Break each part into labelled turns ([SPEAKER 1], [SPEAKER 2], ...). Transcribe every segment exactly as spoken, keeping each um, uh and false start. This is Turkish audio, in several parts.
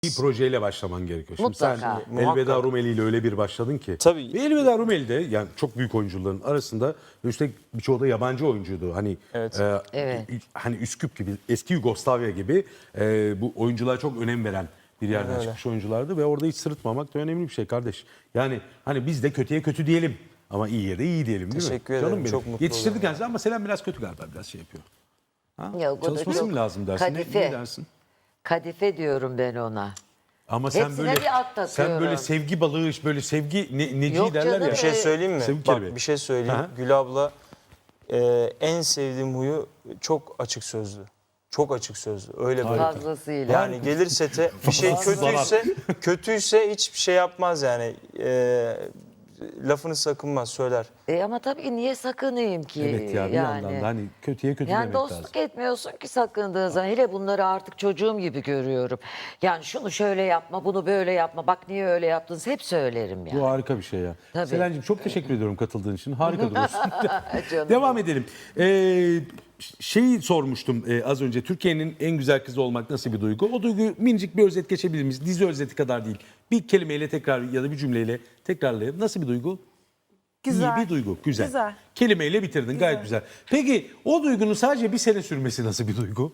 [SPEAKER 1] Bir projeyle başlaman gerekiyor. Şimdi
[SPEAKER 2] Mutlaka.
[SPEAKER 1] sen Elveda Rumeli ile öyle bir başladın ki.
[SPEAKER 3] Tabii.
[SPEAKER 1] Ve Elveda Rumeli de yani çok büyük oyuncuların arasında üstelik birçoğu da yabancı oyuncuydu. Hani
[SPEAKER 3] Evet.
[SPEAKER 1] e,
[SPEAKER 2] Evet.
[SPEAKER 1] hani Üsküp gibi, eski Yugoslavya gibi e, bu oyunculara çok önem veren bir yerden
[SPEAKER 3] Öyle.
[SPEAKER 1] çıkmış oyunculardı ve orada hiç sırıtmamak da önemli bir şey kardeş. Yani hani biz de kötüye kötü diyelim ama iyiye de iyi diyelim değil mi?
[SPEAKER 3] Teşekkür ederim,
[SPEAKER 1] Canım benim.
[SPEAKER 3] çok mutlu
[SPEAKER 1] Yetiştirdik
[SPEAKER 3] olurum.
[SPEAKER 1] yani ama Selen biraz kötü galiba biraz şey yapıyor. Ha?
[SPEAKER 2] Ya, o da
[SPEAKER 1] Çalışması
[SPEAKER 2] çok
[SPEAKER 1] mı lazım dersin? Ne,
[SPEAKER 2] kadife.
[SPEAKER 1] ne dersin?
[SPEAKER 2] Kadife diyorum ben ona.
[SPEAKER 1] Ama sen
[SPEAKER 2] Hepsine
[SPEAKER 1] böyle
[SPEAKER 2] bir at
[SPEAKER 1] sen
[SPEAKER 2] takıyorum.
[SPEAKER 1] böyle sevgi balığı böyle sevgi ne, neci
[SPEAKER 2] Yok
[SPEAKER 1] derler
[SPEAKER 2] canım,
[SPEAKER 1] ya.
[SPEAKER 3] Bir şey söyleyeyim mi?
[SPEAKER 1] Sevgi
[SPEAKER 3] Bak
[SPEAKER 1] kelebeği.
[SPEAKER 3] bir şey söyleyeyim.
[SPEAKER 1] Aha.
[SPEAKER 3] Gül abla e, en sevdiğim huyu çok açık sözlü. Çok açık sözlü. Öyle böyle.
[SPEAKER 2] Fazlasıyla.
[SPEAKER 3] Yani gelir sete bir şey kötüyse kötüyse hiçbir şey yapmaz yani. E, lafını sakınmaz söyler.
[SPEAKER 2] E ama tabii niye sakınayım ki?
[SPEAKER 1] Evet ya bir
[SPEAKER 2] yani.
[SPEAKER 1] yandan da hani kötüye kötü
[SPEAKER 2] Yani
[SPEAKER 1] demek
[SPEAKER 2] dostluk
[SPEAKER 1] lazım.
[SPEAKER 2] etmiyorsun ki sakındığın zaman. Hele bunları artık çocuğum gibi görüyorum. Yani şunu şöyle yapma, bunu böyle yapma. Bak niye öyle yaptınız hep söylerim yani.
[SPEAKER 1] Bu harika bir şey ya.
[SPEAKER 2] Tabii.
[SPEAKER 1] Selen'cim çok teşekkür ediyorum katıldığın için. Harika duruyorsun.
[SPEAKER 2] Canım.
[SPEAKER 1] Devam edelim. Ee, şeyi sormuştum e, az önce. Türkiye'nin en güzel kızı olmak nasıl bir duygu? O duyguyu minicik bir özet geçebilir miyiz? Dizi özeti kadar değil. Bir kelimeyle tekrar ya da bir cümleyle tekrarlayalım. Nasıl bir duygu?
[SPEAKER 4] Güzel.
[SPEAKER 1] İyi bir duygu. Güzel.
[SPEAKER 4] Güzel.
[SPEAKER 1] Kelimeyle bitirdin. Gayet güzel. Peki o duygunun sadece bir sene sürmesi nasıl bir duygu?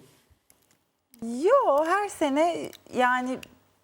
[SPEAKER 4] Yo, her sene yani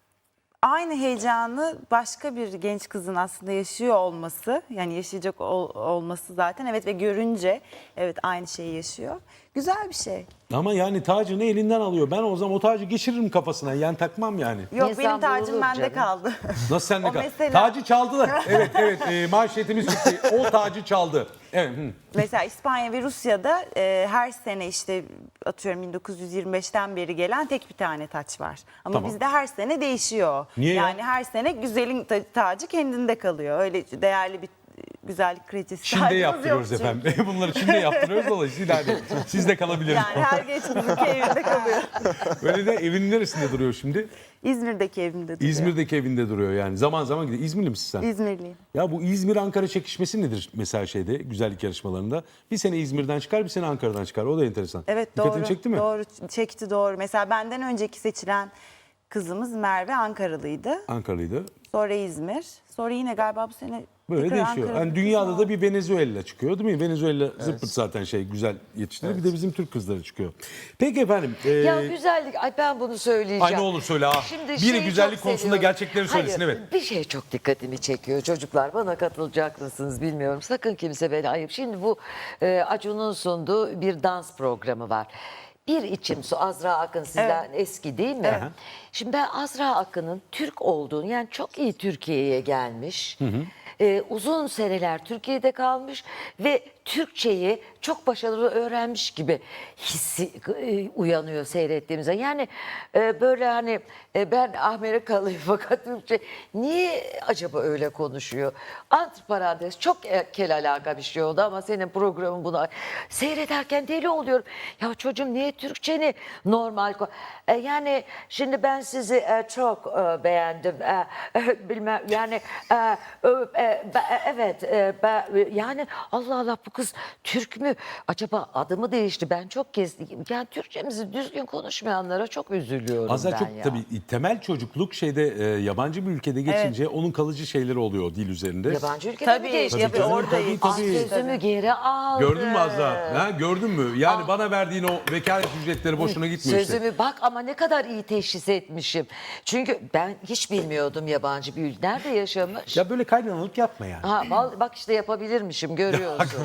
[SPEAKER 4] aynı heyecanı başka bir genç kızın aslında yaşıyor olması, yani yaşayacak ol- olması zaten evet ve görünce evet aynı şeyi yaşıyor. Güzel bir şey.
[SPEAKER 1] Ama yani tacını elinden alıyor. Ben o zaman o tacı geçiririm kafasına. Yani takmam yani.
[SPEAKER 4] Yok
[SPEAKER 2] İnsan
[SPEAKER 4] benim tacım
[SPEAKER 2] vurulur
[SPEAKER 4] bende
[SPEAKER 2] canım.
[SPEAKER 4] kaldı.
[SPEAKER 1] Nasıl sende
[SPEAKER 4] O
[SPEAKER 1] kal?
[SPEAKER 4] mesela-
[SPEAKER 1] Tacı çaldı da. Evet evet e, manşetimiz çıktı. O tacı çaldı. Evet. Hı.
[SPEAKER 4] Mesela İspanya ve Rusya'da e, her sene işte atıyorum bin dokuz yüz yirmi beşten beri gelen tek bir tane taç var. Ama
[SPEAKER 1] Tamam.
[SPEAKER 4] bizde her sene değişiyor.
[SPEAKER 1] Niye ya?
[SPEAKER 4] Yani her sene güzelin ta- tacı kendinde kalıyor. Öyle değerli bir e, güzellik kredisi
[SPEAKER 1] Çin'de
[SPEAKER 4] tacımız
[SPEAKER 1] yaptırıyoruz
[SPEAKER 4] yok çünkü.
[SPEAKER 1] efendim. Bunları Çin'de yaptırıyoruz dolayısıyla hani sizde kalabilir.
[SPEAKER 4] Yani her genç kızınki evinde kalıyor.
[SPEAKER 1] Böyle de evinin neresinde duruyor şimdi?
[SPEAKER 4] İzmir'deki evimde duruyor.
[SPEAKER 1] İzmir'deki evinde duruyor yani. Zaman zaman gidiyor. İzmirli misin sen?
[SPEAKER 4] İzmirliyim.
[SPEAKER 1] Ya bu İzmir-Ankara çekişmesi nedir mesela şeyde güzellik yarışmalarında? Bir sene İzmir'den çıkar bir sene Ankara'dan çıkar. O da enteresan.
[SPEAKER 4] Evet
[SPEAKER 1] Dikkatini
[SPEAKER 4] doğru.
[SPEAKER 1] çekti mi?
[SPEAKER 4] Doğru çekti doğru. Mesela benden önceki seçilen kızımız Merve Ankaralıydı.
[SPEAKER 1] Ankara'lıydı.
[SPEAKER 4] Sonra İzmir. Sonra yine galiba bu sene
[SPEAKER 1] Böyle
[SPEAKER 4] tekrar
[SPEAKER 1] değişiyor.
[SPEAKER 4] Ankara
[SPEAKER 1] Yani
[SPEAKER 4] bir
[SPEAKER 1] dünyada
[SPEAKER 4] kız
[SPEAKER 1] da
[SPEAKER 4] oldu.
[SPEAKER 1] bir Venezuela çıkıyor değil mi? Venezuela zıppırt zaten şey güzel yetiştirir. Bir de bizim Türk kızları çıkıyor. Peki efendim. e,
[SPEAKER 2] Ya güzellik, ay ben bunu söyleyeceğim.
[SPEAKER 1] Ay ne olur söyle ha.
[SPEAKER 2] Şimdi
[SPEAKER 1] Biri
[SPEAKER 2] şeyi
[SPEAKER 1] güzellik
[SPEAKER 2] çok
[SPEAKER 1] konusunda
[SPEAKER 2] seviyorum.
[SPEAKER 1] gerçekleri söylesin,
[SPEAKER 2] Hayır,
[SPEAKER 1] evet.
[SPEAKER 2] bir şey çok dikkatimi çekiyor çocuklar. Bana katılacak mısınız bilmiyorum. Sakın kimse beni ayıp. Şimdi bu e, Acun'un sunduğu bir dans programı var. Bir içim su, Azra Akın sizden eski değil mi?
[SPEAKER 1] Evet.
[SPEAKER 2] Şimdi ben Azra Akın'ın Türk olduğunu, yani çok iyi Türkiye'ye gelmiş. E, uzun seneler Türkiye'de kalmış ve Türkçeyi çok başarılı öğrenmiş gibi hissi e, uyanıyor seyrettiğimizde. Yani e, böyle hani e, ben Amerikalıyım fakat Türkçe niye acaba öyle konuşuyor? Antiparantez çok e, kel alaka bir şey oldu ama senin programın buna seyrederken deli oluyorum. Ya çocuğum niye Türkçeni normal ko- e, yani şimdi ben sizi e, çok e, beğendim. E, e, bilmem yani e, e, e, be- evet e, be- yani Allah Allah bu kız Türk mü? Acaba adı mı değişti? Ben çok kez yani Türkçemizi düzgün konuşmayanlara çok üzülüyorum
[SPEAKER 1] Azra
[SPEAKER 2] ben
[SPEAKER 1] çok
[SPEAKER 2] ya.
[SPEAKER 1] tabii temel çocukluk şeyde e, yabancı bir ülkede geçince onun kalıcı şeyleri oluyor o dil üzerinde.
[SPEAKER 2] Yabancı ülkede
[SPEAKER 4] Tabii,
[SPEAKER 2] mi değişti?
[SPEAKER 4] tabii,
[SPEAKER 1] canım,
[SPEAKER 4] oradayız.
[SPEAKER 1] tabii,
[SPEAKER 2] Ah,
[SPEAKER 1] tabii.
[SPEAKER 2] sözümü geri aldı.
[SPEAKER 1] Gördün mü Azra? Ha, gördün mü? Yani
[SPEAKER 2] Ah.
[SPEAKER 1] bana verdiğin o vekalet ücretleri boşuna gitmiyor işte.
[SPEAKER 2] Sözümü bak ama ne kadar iyi teşhis etmişim. Çünkü ben hiç bilmiyordum yabancı bir ülke. Nerede yaşamış?
[SPEAKER 1] Ya böyle kaynanalık yapma yani.
[SPEAKER 2] Ha, val- bak işte yapabilirmişim görüyorsun.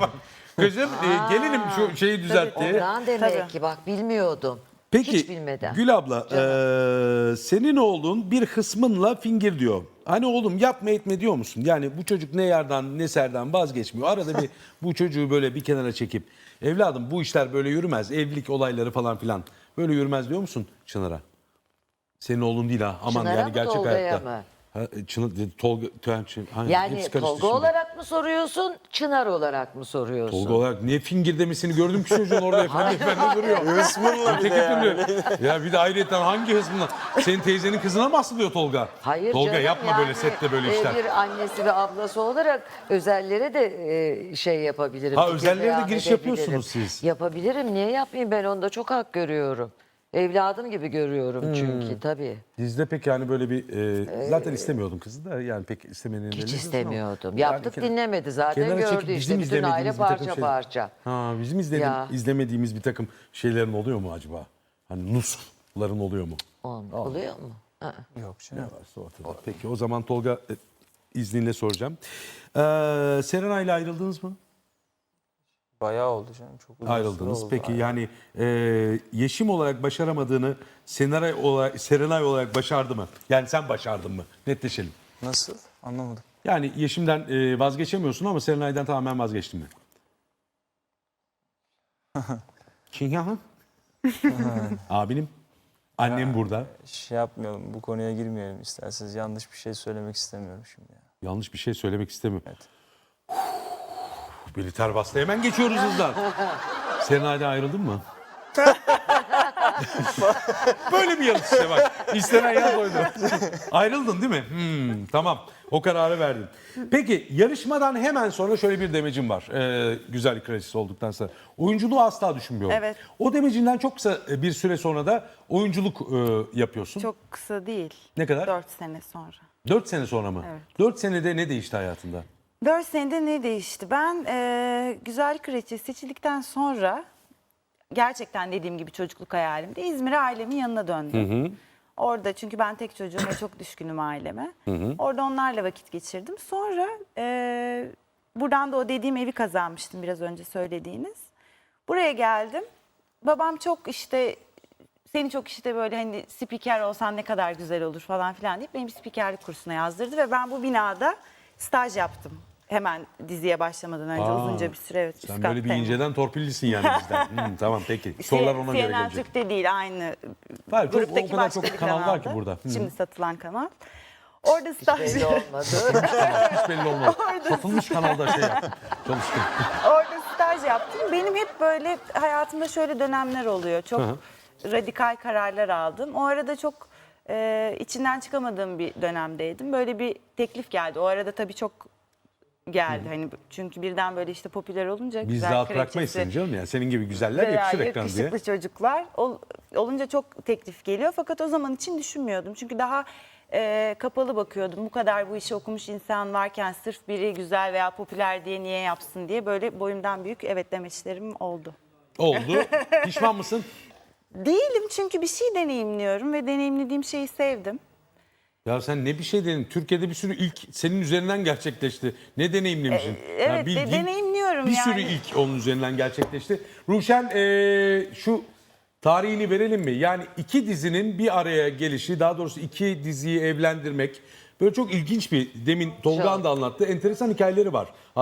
[SPEAKER 1] Gözüm e, gelinim şu şeyi düzeltti.
[SPEAKER 2] Ondan demek
[SPEAKER 4] Tabii.
[SPEAKER 2] ki bak bilmiyordum.
[SPEAKER 1] Peki
[SPEAKER 2] Hiç bilmeden.
[SPEAKER 1] Gül abla e, senin oğlun bir hısmınla fingir diyor. Hani oğlum yapma etme diyor musun? Yani bu çocuk ne yerden ne serden vazgeçmiyor. Arada bir bu çocuğu böyle bir kenara çekip evladım bu işler böyle yürümez. Evlilik olayları falan filan böyle yürümez diyor musun Çınar'a? Senin oğlun değil ha. Aman
[SPEAKER 2] Çınar'a
[SPEAKER 1] yani
[SPEAKER 2] mı,
[SPEAKER 1] gerçek
[SPEAKER 2] Tolga'ya
[SPEAKER 1] hayatta.
[SPEAKER 2] mı?
[SPEAKER 1] Ha, Çınar, Tolga, Tolga, hani
[SPEAKER 2] Yani
[SPEAKER 1] hepsi karıştı
[SPEAKER 2] Tolga
[SPEAKER 1] şimdi.
[SPEAKER 2] olarak mı soruyorsun, Çınar olarak mı soruyorsun?
[SPEAKER 1] Tolga olarak niye fingir demesini gördüm ki çocuğun orada efendi efendi duruyor.
[SPEAKER 3] Hısmınla bir de
[SPEAKER 1] Öteki
[SPEAKER 3] yani.
[SPEAKER 1] türlü. Ya bir de ayrıyeten hangi hısmınla? Senin teyzenin kızına mı asılıyor Tolga?
[SPEAKER 2] Hayır
[SPEAKER 1] Tolga
[SPEAKER 2] canım,
[SPEAKER 1] yapma
[SPEAKER 2] yani,
[SPEAKER 1] böyle sette böyle
[SPEAKER 2] e,
[SPEAKER 1] işler.
[SPEAKER 2] Bir annesi ve ablası olarak özellere de e, şey yapabilirim.
[SPEAKER 1] Ha,
[SPEAKER 2] fikir
[SPEAKER 1] özellere de
[SPEAKER 2] beyan
[SPEAKER 1] giriş
[SPEAKER 2] edebilirim.
[SPEAKER 1] yapıyorsunuz siz.
[SPEAKER 2] Yapabilirim. Niye yapmayayım? Ben onda çok hak görüyorum. Evladım gibi görüyorum çünkü tabii.
[SPEAKER 1] Dizide pek yani böyle bir e, zaten istemiyordum kızı da yani pek istemenin
[SPEAKER 2] Hiç
[SPEAKER 1] elinde
[SPEAKER 2] istemiyordum.
[SPEAKER 1] Yani
[SPEAKER 2] Yaptık
[SPEAKER 1] kenar-
[SPEAKER 2] dinlemedi zaten
[SPEAKER 1] kenara çekip
[SPEAKER 2] gördü işte
[SPEAKER 1] bizim
[SPEAKER 2] bütün
[SPEAKER 1] izlemediğimiz
[SPEAKER 2] aile
[SPEAKER 1] bir takım
[SPEAKER 2] parça
[SPEAKER 1] şeyler.
[SPEAKER 2] parça.
[SPEAKER 1] Ha, bizim izledim,
[SPEAKER 2] Ya.
[SPEAKER 1] izlemediğimiz bir takım şeylerin oluyor mu acaba? Hani nusların oluyor mu?
[SPEAKER 2] Olm- Oluyor mu? Ha.
[SPEAKER 3] Yok
[SPEAKER 1] Ne
[SPEAKER 3] canım.
[SPEAKER 1] varsa ortada. Peki o zaman Tolga e, izninle soracağım. Ee, Serenay ile ayrıldınız mı?
[SPEAKER 3] Bayağı oldu canım. Çok uzun süre
[SPEAKER 1] Ayrıldınız.
[SPEAKER 3] oldu.
[SPEAKER 1] Peki yani e, Yeşim olarak başaramadığını Serenay olarak, Serenay olarak başardı mı? Yani sen başardın mı? Netleşelim.
[SPEAKER 3] Nasıl? Anlamadım.
[SPEAKER 1] Yani Yeşim'den e, vazgeçemiyorsun ama Serenay'dan tamamen vazgeçtin mi? Kim ya? Abinim. Annem burada.
[SPEAKER 3] Şey yapmayalım, bu konuya girmeyelim isterseniz. Yanlış bir şey söylemek istemiyorum şimdi. Ya.
[SPEAKER 1] Yanlış bir şey söylemek istemiyorum.
[SPEAKER 3] Evet.
[SPEAKER 1] Militer bastı. Hemen geçiyoruz hızdan. Serenay'dan ayrıldın mı? Böyle bir yanıt işte bak. İstenen yaz oydu. Ayrıldın değil mi? Hmm, tamam. O kararı verdin. Peki yarışmadan hemen sonra şöyle bir demecim var. Ee, güzellik kraliçesi olduktan sonra. Oyunculuğu asla düşünmüyorum.
[SPEAKER 4] Evet.
[SPEAKER 1] O demecinden çok kısa bir süre sonra da oyunculuk e, yapıyorsun.
[SPEAKER 4] Çok kısa değil.
[SPEAKER 1] Ne kadar?
[SPEAKER 4] Dört sene sonra.
[SPEAKER 1] Dört sene sonra mı?
[SPEAKER 4] Evet.
[SPEAKER 1] Dört senede ne değişti hayatında?
[SPEAKER 4] Dört senede ne değişti? Ben e, güzellik kraliçesi seçildikten sonra gerçekten dediğim gibi çocukluk hayalimde İzmir'e ailemin yanına döndüm. Orada çünkü ben tek çocuğum ve çok düşkünüm aileme. Orada onlarla vakit geçirdim. Sonra e, buradan da o dediğim evi kazanmıştım biraz önce söylediğiniz. Buraya geldim. Babam çok işte seni çok işte böyle hani spiker olsan ne kadar güzel olur falan filan deyip beni spikerlik kursuna yazdırdı ve ben bu binada staj yaptım. Hemen diziye başlamadan önce
[SPEAKER 1] Aa,
[SPEAKER 4] uzunca bir süre. Evet,
[SPEAKER 1] Sen
[SPEAKER 4] üst
[SPEAKER 1] böyle bir
[SPEAKER 4] kattayım.
[SPEAKER 1] inceden torpillisin yani bizden. Hmm, tamam peki. Sorular ona göre
[SPEAKER 4] C N N
[SPEAKER 1] gelecek.
[SPEAKER 4] Türk'te değil aynı
[SPEAKER 1] Hayır, çok-
[SPEAKER 4] gruptaki
[SPEAKER 1] o kadar
[SPEAKER 4] başka
[SPEAKER 1] çok
[SPEAKER 4] bir
[SPEAKER 1] kanal var ki
[SPEAKER 4] kanalda.
[SPEAKER 1] burada. Hı.
[SPEAKER 4] Şimdi satılan kanal. Orada staj,
[SPEAKER 2] Belli olmadı.
[SPEAKER 1] Hiç belli olmaz. Satılmış kanalda şey yaptım. Çalıştım.
[SPEAKER 4] orada staj yaptım. Benim hep böyle hayatımda şöyle dönemler oluyor. Çok radikal kararlar aldım. O arada çok e, içinden çıkamadığım bir dönemdeydim. Böyle bir teklif geldi. O arada tabii çok geldi. Hani çünkü birden böyle işte popüler olunca
[SPEAKER 1] Biz
[SPEAKER 4] güzel
[SPEAKER 1] rahat bırakmayız
[SPEAKER 4] kraliçesi
[SPEAKER 1] seni canım ya. Senin gibi güzeller
[SPEAKER 4] veya
[SPEAKER 1] yakışır ekran
[SPEAKER 4] yakışıklı
[SPEAKER 1] diye.
[SPEAKER 4] çocuklar ol- olunca çok teklif geliyor. Fakat o zaman için düşünmüyordum. Çünkü daha e, kapalı bakıyordum. Bu kadar bu işi okumuş insan varken sırf biri güzel veya popüler diye niye yapsın diye böyle boyumdan büyük evet demeçlerim oldu.
[SPEAKER 1] Oldu. Pişman mısın?
[SPEAKER 4] Değilim çünkü bir şey deneyimliyorum ve deneyimlediğim şeyi sevdim.
[SPEAKER 1] Ya sen ne bir şey dedin. Türkiye'de bir sürü ilk senin üzerinden gerçekleşti. Ne deneyimlemişsin?
[SPEAKER 4] Ee, evet, de- deneyimliyorum
[SPEAKER 1] bir
[SPEAKER 4] yani.
[SPEAKER 1] sürü ilk onun üzerinden gerçekleşti. Ruşen ee, şu tarihini verelim mi? Yani iki dizinin bir araya gelişi, daha doğrusu iki diziyi evlendirmek böyle çok ilginç bir, demin Tolga'nın
[SPEAKER 2] Çok.
[SPEAKER 1] da anlattı. Enteresan hikayeleri var.